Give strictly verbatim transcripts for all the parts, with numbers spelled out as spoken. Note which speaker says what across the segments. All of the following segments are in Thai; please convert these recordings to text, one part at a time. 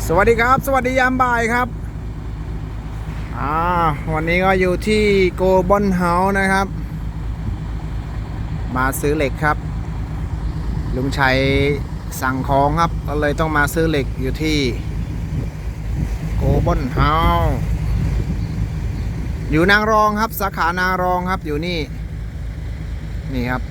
Speaker 1: สวัสดีครับสวัสดียามบ่ายครับอ่าวันนี้ก็อยู่ที่โกบอนเฮาส์นะครับมาซื้อเหล็กครับลุงชัยสั่งของครับก็เลยต้องมาซื้อเหล็กอยู่ที่โกบอนเฮาส์อยู่นางรองครับสาขานางรองครับอยู่นี่นี่ครับ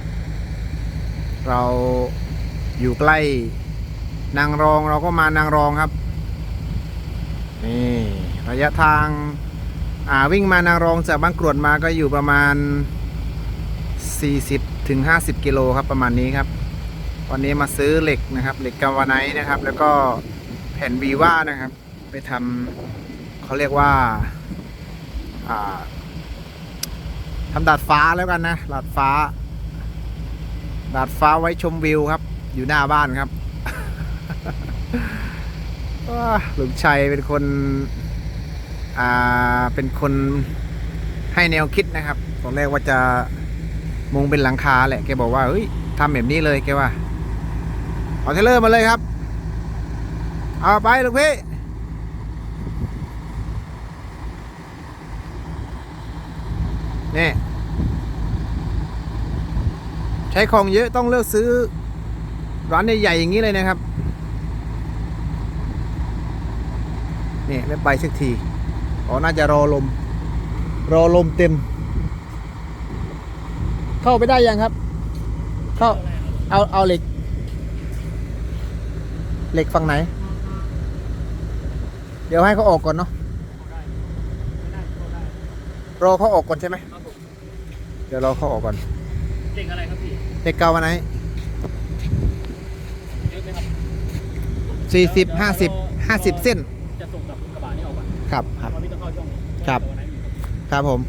Speaker 1: เราอยู่ใกล้นางรองเราก็มานางรองครับนี่ระยะทางอ่าวิ่งมานางรองจากบางกรวดมาก็อยู่ประมาณสี่สิบถึงห้าสิบกิโลครับประมาณนี้ครับวันนี้มาซื้อเหล็กนะครับเหล็กกาวาไนท์นะครับแล้วก็แผ่นวีว่านะครับไปทำเขาเรียกว่าอ่าทำดาดฟ้าแล้วกันนะดาดฟ้าดาดฟ้าไว้ชมวิวครับอยู่หน้าบ้านครับลุงชัยเป็นคนอ่าเป็นคนให้แนวคิดนะครับตอนแรกว่าจะมุงเป็นหลังคาแหละแกบอกว่าเฮ้ยทำแบบนี้เลยแกว่าเอาเทเลอร์มาเลยครับเอาไปลูกพี่นี่ใช้ของเยอะต้องเลือกซื้อร้านใหญ่ๆอย่างนี้เลยนะครับนี่ไม่ไปสักทีอ๋อน่าจะรอลมรอลมเต็มเข้าไปได้ยังครับเข้าเอาเอาเหล็กเหล็กฝั่งไหนเดี๋ยวให้เขาออกก่อนเนาะรอเขาออกก่อนใช่ไหมเดี๋ยวรอเขาออกก่อน
Speaker 2: เหล็กอะไรครับพี่
Speaker 1: เหล็กเกาวันไหน
Speaker 2: เยอะไหมครับ
Speaker 1: สี่สิบห้าสิบห้าสิบเส้น
Speaker 2: จะส่งกับกระบะนี้ออกป่ะ
Speaker 1: ครับครับ
Speaker 2: พี่ต้องเข้าช่อง
Speaker 1: ครับครับผม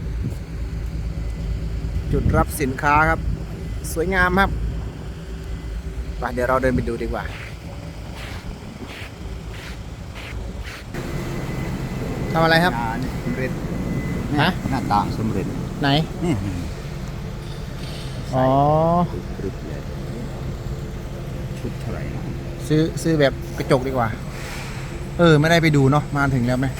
Speaker 1: จุดรับสินค้าครับสวยงามครับไปเดี๋ยวเราเดินไปดูดีกว่าทำอะไรครับ
Speaker 3: สำเร็จ
Speaker 1: ฮะ
Speaker 3: หน้าต่างสำเร็จ
Speaker 1: ไหน
Speaker 3: นี่
Speaker 1: อ๋อ
Speaker 3: ชุดเท่าไหร่นะ
Speaker 1: ซื้อซื้อแบบกระจกดีกว่าเออไม่ได้ไปดูเนาะมาถึงแล้วไหม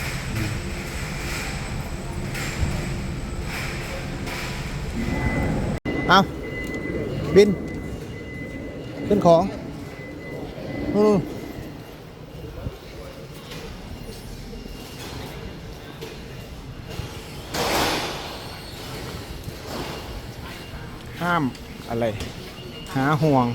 Speaker 1: เอาบินขึ้นของอือห้ามอะไรหาห่วง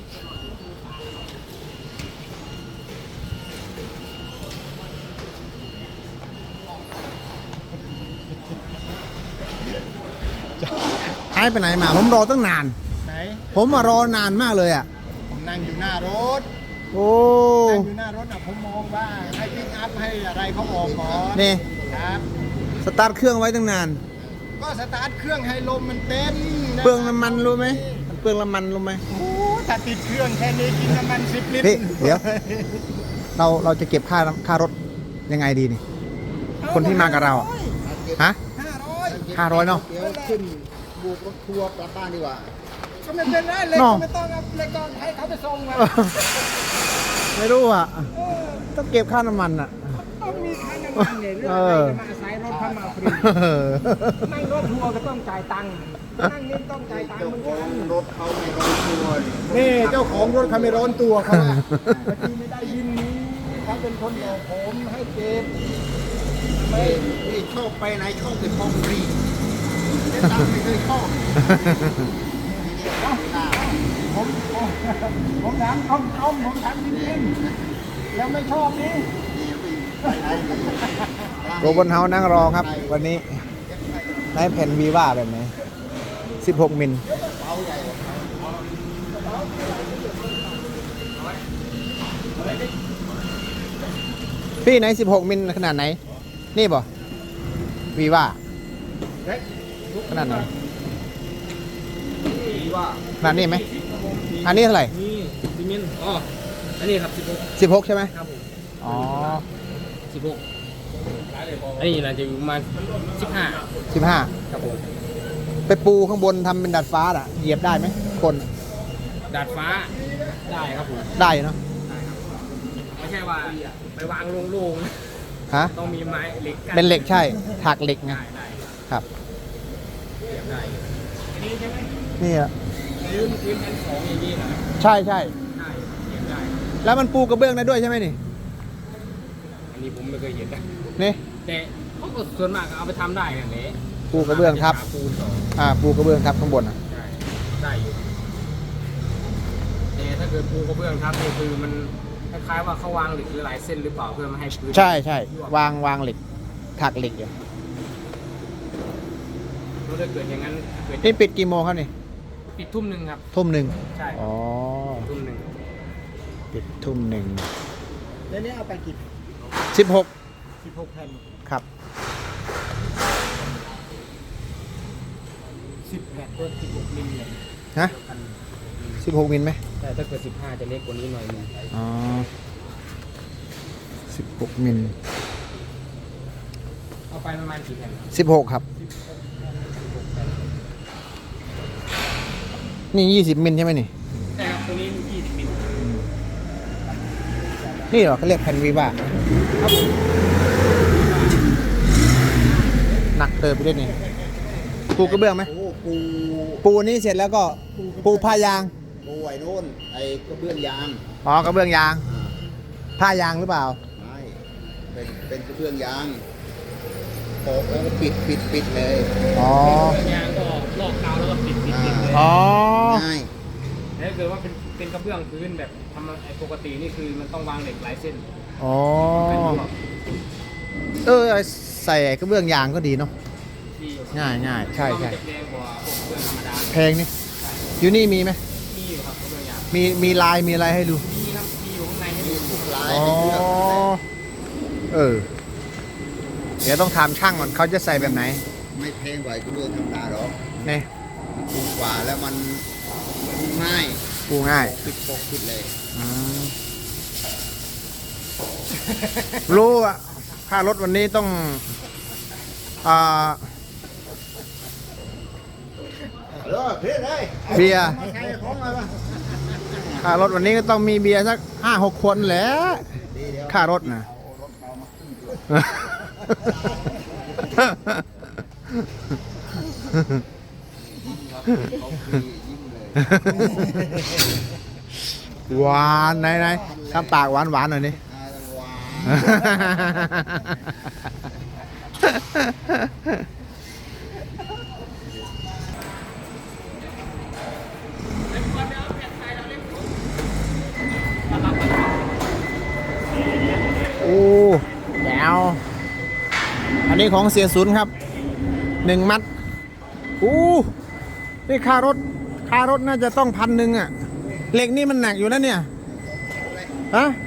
Speaker 1: หายไปไหนมาผมรอตั้งนาน
Speaker 3: ไหน
Speaker 1: ผมมารอนานมากเลยอ่ะ
Speaker 3: ผมนั่งอยู่หน้ารถ
Speaker 1: โอ้
Speaker 3: นั่งอยู่หน้ารถอ่ะผมมองว่าให้พิกอัพให้อะไรเขาออกก่อน
Speaker 1: นี่
Speaker 3: ครับ
Speaker 1: สตาร์ทเครื่องไว้ตั้งนาน
Speaker 3: ก็สตาร์ทเครื่องให้ลมมันเต็ม
Speaker 1: เปลืองน้ำมันรู้ไหมมันเปลืองน้ำมันรู้ไหม
Speaker 3: โอ้ถ้าติดเครื่องแค่นี้กินน้ำมันสิบลิตร
Speaker 1: พี่เดี๋ยวเราเราจะเก็บค่าค่ารถยังไงดีนี่คนที่มากับเราฮะ
Speaker 3: ห้าร้อย
Speaker 1: ห้าร้อยเนาะ
Speaker 3: เดี๋ยวขึ้นบุกรถทัวร์กลับบ้านดีกว่าก็ไม่เป็นไรเลยไม่ต้องเลยก็ให้เขาไปส่งมา
Speaker 1: ไม่รู้อ่ะต้องเก็บค่าน้ำมันอ่ะ
Speaker 3: ต้องมีค่าน้ำมันเนี่ยเรื่องอะไรมาอาศัยรถเข้ามาฟรีนั่งรถทัวร์ก็ต้องจ่ายตังค์นั่งนี่ต้องจ่ายตังค์เหมือนกันรถเขาไม่ร้อนตัวนี่เจ้าของรถเขาไม่ร้อนตัวเขาอะที่ไม่ได้ยินนี้เขาเป็นคนบอกผมให้เก็บไม่ไม่ชอบไปไหนชอบแต่ของฟรีแต่ตังค์ไม่เคยชอบผมผมถามต้มต้มผมถามจริงๆแล้วไม่ชอบนี่
Speaker 1: โกบนเฮานั่งรอครับวันนี้ได้แผ่นวีว่าแบบไหนสิบหกมิลพี่ไหนสิบหกมิลขนาดไหนนี่ป่ะวีว่าขนาดไหนขนาดนี้ไหมอันนี้เท่าไหร่
Speaker 2: นี่สิบมิลอ๋ออันนี้ครับสิบหก
Speaker 1: สิบหกใช่ไหม
Speaker 2: ครับผม
Speaker 1: อ๋อ
Speaker 2: สิบหกอันนี้น่าจะอยู่ประมาณสิบห้า
Speaker 1: สิบห้า
Speaker 2: ครับผม
Speaker 1: ไปปูข้างบนทำเป็นดาดฟ้าอ่ะเหยียบได้ไหมคน
Speaker 2: ดาดฟ้าได้ครับผม
Speaker 1: ได้เนาะ
Speaker 2: ไม่ใช่ช่ว่าไปวางโล่งๆนะ
Speaker 1: ฮะ
Speaker 2: ต้องมีไม้เหล็กกั้
Speaker 1: เป็นเหล็กใช่ถักเหล็กไง
Speaker 2: ได้ได้
Speaker 1: ครับ
Speaker 2: เสียบได้อันนี้ใช่ไหม
Speaker 1: นี่อะ
Speaker 2: พื้นพื้นชั้นสองอย่างนี้นะ
Speaker 1: ใช่ใช่
Speaker 2: ได้เสียบได้
Speaker 1: แล้วมันปูกระเบื้องได้ด้วยใช่ไหมนี่
Speaker 2: อันนี้ผมไม่เคยเห็นนะ
Speaker 1: นี่
Speaker 2: แต่เขาก็ส่วนมากเอาไปทำได้กันเลย
Speaker 1: ปูกระเบื้องทับ
Speaker 2: ปูนสอง
Speaker 1: อ่าปูกระเบื้องทับข้างบนอ่ะ
Speaker 2: ได้ได้อยู่แต่ถ้าเกิดปูกระเบื้องทับนี่คือมันคล้ายๆว่าเขาวางเหล็กหรือหลายเส้นหรือเปล่าเพื่อไม่ให้พื้น
Speaker 1: ใช่ใช่วางวางเหล็กถักเหล็กอยู่
Speaker 2: ถ้าเกิดอย่างนั้นเกิด
Speaker 1: นี่ปิดกี่โมงครับนี่
Speaker 2: ปิดทุ่มหนึ่งครับ
Speaker 1: ทุ่มหนึ่ง
Speaker 2: ใช่
Speaker 1: อ๋อ
Speaker 2: ทุ่มหนึ่ง
Speaker 1: ปิดทุ่มหนึ่ง
Speaker 3: แล้วนี่เอาไปกี่
Speaker 1: สิบหก
Speaker 3: สิบหกแผ่น
Speaker 1: ครับ
Speaker 2: สิบแปดตัวสิบหกมิลเลย
Speaker 1: ฮะสิบหกมิลไหม
Speaker 2: แต่ถ้าเกิดสิบห้าจะเล็กกว่านี้หน่อยหนึง
Speaker 1: อ๋อสิบหกมิล
Speaker 2: เอาไปประมาณกี่แผ่นครับ
Speaker 1: สิบหกครับ นี่ยี่สิบมิลใช่ไหมนี่
Speaker 2: แต่ครับตัวนี้ยี่สิบมิล
Speaker 1: นี่เหรอเขาเรียกแผ่นวีบา
Speaker 2: ครับผม
Speaker 1: หนักเติบไปด้วยนี่ปูกระเบื้องไหม
Speaker 3: โอ้ปู
Speaker 1: ปูนี่เสร็จแล้วก็ปูผ้ายาง
Speaker 3: ปูไอ้โน่นไอ้กระเบื้องยาง
Speaker 1: อ๋อกระเบื้องยาง
Speaker 3: อ่า
Speaker 1: ผ้ายางหรือเปล่า
Speaker 3: ไม่เป็นเป็นกระเบื้องยางโปะแล้วก็ปิดปิดปิดเลย
Speaker 1: อ๋อ
Speaker 2: ยางก็ลอกกาวแล้วก็ปิดปิดปิดเลย
Speaker 1: อ๋อ
Speaker 3: ง่าย
Speaker 2: แล้วถ้าเกิดว่าเป็นเป็นกระเบื้องพื้นแบบทำไอ้ปกตินี่คือมันต้องวางเหล็กหลายเส้น
Speaker 1: อ๋อ
Speaker 2: เป็นพวก
Speaker 1: เออใส่กระเบื้องยางก็ดีเนาะ
Speaker 2: ที่
Speaker 1: ง่ายง่ายใช่ใช่
Speaker 2: มันจะแพงกว่าพวกกระเบื้องธรรมดา
Speaker 1: แพงนี่อยู่นี่มีไหม
Speaker 2: มีอยู่ครับกระเบื้องยาง
Speaker 1: มีมีลายมีอะไรให้ดู
Speaker 2: มีครับมีอยู่ข้างในให้ดู
Speaker 3: ลาย
Speaker 1: อ๋อ
Speaker 3: ให้เลือก
Speaker 1: เออ เดี๋ยวต้องถามช่างก่อนเขาจะใส่แบบไหน
Speaker 3: ไม่แพงกว่ากระเบื้องธรรมดาหรอก
Speaker 1: นี่
Speaker 3: ถูกกว่าแล้วมันง่าย
Speaker 1: ปูง่าย
Speaker 3: ปิดปกปิดเลย
Speaker 1: อืมรู้อะค่ารถวันนี้ต้องอ่า
Speaker 3: เลิกเรียกเลย
Speaker 1: เบียร์
Speaker 3: มาใครของอะไรวะ
Speaker 1: ค่ารถวันนี้ก็ต้องมีเบียร์สักห้าหกคนแหละ
Speaker 3: ดีเดี๋ยว
Speaker 1: ค่ารถนะ
Speaker 3: เอารถเอามาขึ้นด้วยเขาคือยิ้มเลย
Speaker 1: หวานไหนไหนทำปากหวานหวานหน่อยนี่
Speaker 3: อ่าหวาน
Speaker 1: โอ้แจ๋วอันนี้ของเสียศูนย์ครับหนึ่งมัดอู้นี่ค่ารถค่ารถน่าจะต้องพันหนึ่งอะเหล็กนี่มันหนักอยู่นะเนี่ยฮะ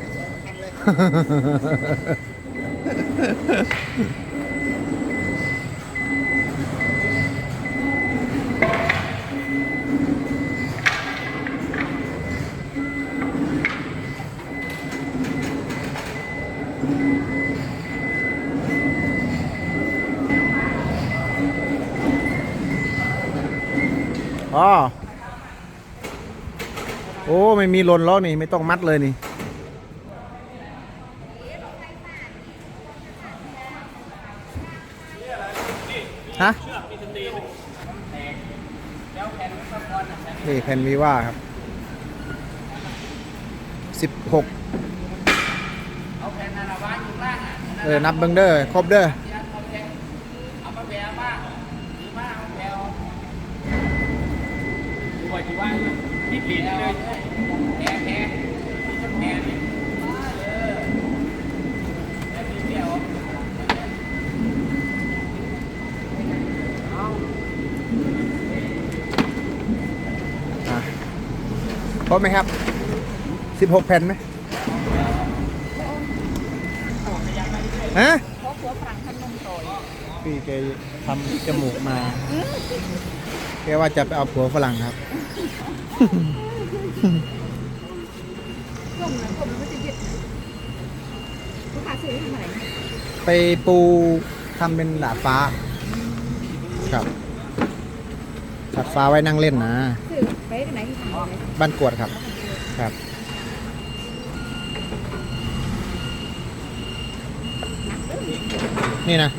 Speaker 1: อ๋อโอ้ไม่มีหล่นล้อนี่ไม่ต้องมัดเลยนี่ฮะนี่แผ่นวีว่าครับสิบหกเออนับเบิ้งเด้อครบเด้อ
Speaker 2: ดูว่าที่ว่าที่ปีนเลยแพ้แพ้แพ้ดิแล้วมีเดียว
Speaker 1: อ่ะครบไหมครับสิบหกแผ่นไหมฮะ
Speaker 4: เพราะหัวฝรั่งทำนมโตย
Speaker 1: พี่แกทำจมูกมาแกว่าจะไปเอาผัวฝรั่งครับ
Speaker 4: กลมนะกลมแล้วมันจะยึดลูกค้าซื้อให้ทำอะไร
Speaker 1: ไปปูทำเป็นดาดฟ้า ครับดาดฟ้าไว้นั่งเล่นนะ
Speaker 4: ซื้อไปที่ไหนที่ทำอะไร
Speaker 1: บ้านกวดครับ ครับนี่นะ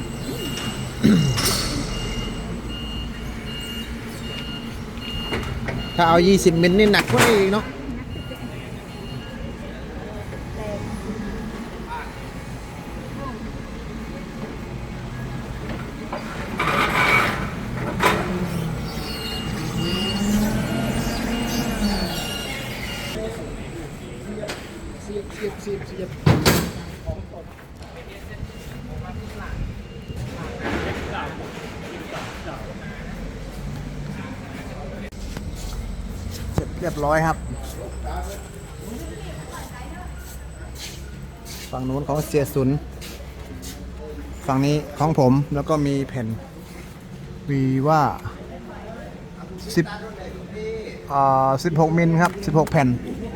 Speaker 1: ถ้าเอายี่สิบมิลนี่หนักกว่านี้อีกเนาะเสร็จเรียบร้อยครับ ฝั่งนู้นของเสียสุน ฝั่งนี้ของผมแล้วก็มีแผ่นวีว่าสิบอ่าสิบหกมิลครับสิบหกแผ่น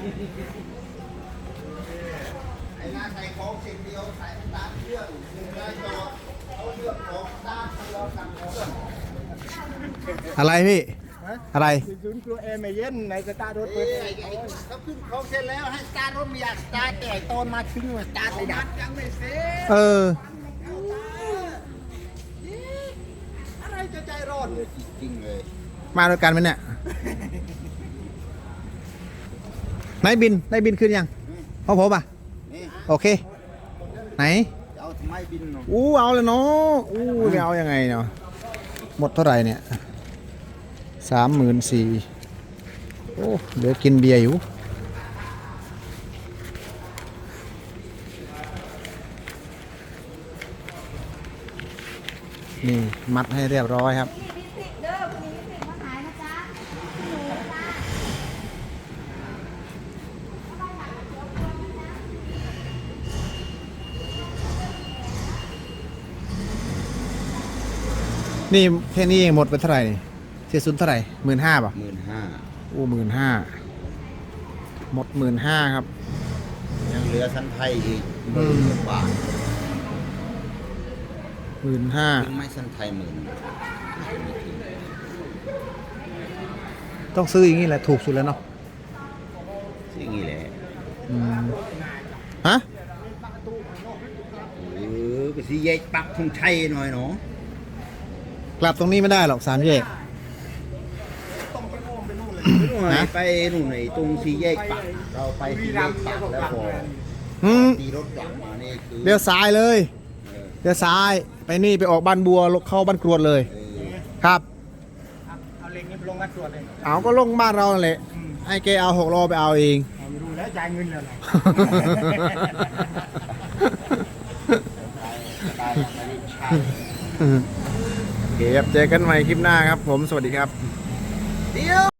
Speaker 1: อะไรพี่ อะไร
Speaker 3: ศูนย์กลัวแอร์ไม่เย็นในสตาร์ทรถเปิดเขาขึ้นเขาเสร็จแล้วให้สตาร์ทรถไม่อยากสตาร์ทแต่ตอนมาถึงสตาร์ทไม่ได้ยังไม่เสร็จ
Speaker 1: เออ
Speaker 3: อะไรจะใจร้อนจริงเลย
Speaker 1: มาด้วยกันไหมเนี่ยไหนบินได้บินขึ้นยังพ่อผมอ่ะ
Speaker 3: นี่
Speaker 1: โอเค ไหน
Speaker 3: เอาทำไมบินเนาะ
Speaker 1: อู้เอาเลยเนาะอู้ไม่เอายังไงเนาะหมดเท่าไหร่เนี่ยสามหมื่นสี่โอ้เหลือกินเบียร์อยู่นี่มัดให้เรียบร้อยครับ
Speaker 4: นี่ลิปสติกเด้อวันนี้ลิปสติกมาขายนะจ๊ะหนูจ้า
Speaker 1: นี่แค่นี้เองหมดไปเท่าไหร่นี่เสียสุนเท่าไหร่หมื่นห้าป่ะ
Speaker 3: หมื่นห้า
Speaker 1: อู้หมื่นห้าหมดหมื่นห้าครับ
Speaker 3: ยังเหลือชั้นไทยอีกหมื่นบาท
Speaker 1: หมื่นห้า
Speaker 3: ถึงไม่ชั้นไทยหมื่น
Speaker 1: ต้องซื้ออย่างนี้แหละถูกสุดแล้วเนาะ
Speaker 3: สิ่งนี้แหละ
Speaker 1: อืมฮะ
Speaker 3: เออไปสิแยกปักธงชัยหน่อยเนาะ
Speaker 1: กลับตรงนี้ไม่ได้หรอกสามแยก
Speaker 3: ฮะไปนู่นไหนตรงสี่แยกปักเราไปสี่แยกปักแล้วพอ
Speaker 1: อืม
Speaker 3: ตีรถกลับมานี่คือ
Speaker 1: เลี้ยวซ้ายเลยเลี้ยวซ้ายไปนี่ไปออกบ้านบัวลงเข้าบ้านกรวดเลย
Speaker 3: เออ
Speaker 1: ครับ
Speaker 3: เอาเล็งนี้ไปลงกันตรวจเลย
Speaker 1: เอาก็ลงบ้านเรานั่นแหละให้แกเอาหกล้อไปเอาเอง
Speaker 3: เอาไม่รู้แล้วจ่ายเงินแล้วเหรอได้ไม่ได้ใช้
Speaker 1: โอเคครับเจอกันใหม่คลิปหน้าครับผมสวัสดีครับ
Speaker 3: เดี๋ยว